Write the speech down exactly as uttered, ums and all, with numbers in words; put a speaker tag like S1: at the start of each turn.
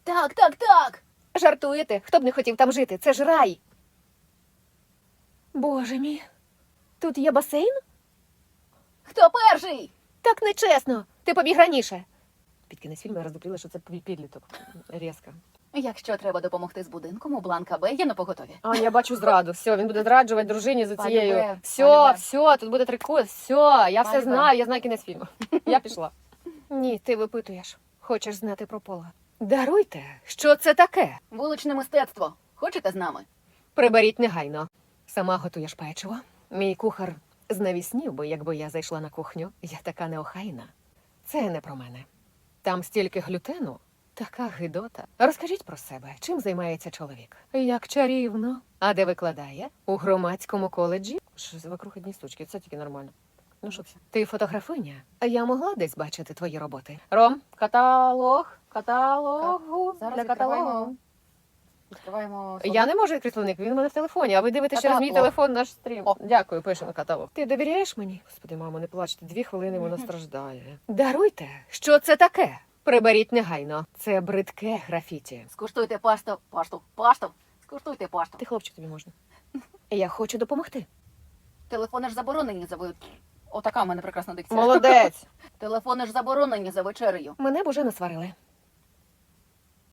S1: Так, так, так.
S2: Жартуєте? Хто б не хотів там жити? Це ж рай. Боже мій. Тут є басейн?
S1: Хто перший?
S2: Так нечесно. Ти побіг раніше. Під кінець фільму я роздупліла, що це підліток. Різко.
S1: Якщо треба допомогти з будинком, у Бланка Б є на поготові.
S2: А, я бачу зраду. Все, він буде зраджувати дружині за цією.
S1: Полюбе,
S2: Все,
S1: полюбе.
S2: все, тут буде трикут. Все, я все
S1: Полюбе.
S2: знаю, я знаю кінець фільму. Я пішла. Ні, ти випитуєш. Хочеш знати про Пола. Даруйте, що це таке?
S1: Вуличне мистецтво. Хочете з нами?
S2: Приберіть негайно. Сама готуєш печиво. Мій кухар знавіснів би, якби я зайшла на кухню. Я така неохайна. Це не про мене. Там стільки глютену. Така гидота. Розкажіть про себе, чим займається чоловік? Як чарівно. А де викладає? У громадському коледжі? Що за вокруг одні штучки, це тільки нормально. Ну що це? Ти фотографиня? А я могла десь бачити твої роботи? Ром, каталог, каталогу,
S1: Зараз
S2: для
S1: відкриваємо.
S2: каталогу.
S1: Відкриваємо.
S2: Я не можу відкрити словник, він у мене в телефоні, а ви дивитесь через мій
S1: Каталог.
S2: телефон наш стрім.
S1: О.
S2: Дякую, пишемо каталог. Ти довіряєш мені? Господи, мамо, не плачте, дві хвилини вона страждає. Даруйте, що це таке? Приберіть негайно. Це бридке графіті.
S1: Скуштуйте пасту. Пашту. Пашту. Скуштуйте пашту.
S2: Ти, хлопчик, тобі можна. Я хочу допомогти.
S1: Телефони ж заборонені за ви. Отака в мене прекрасна дикція.
S2: Молодець.
S1: Телефони ж заборонені за вечерею.
S2: Мене б уже насварили.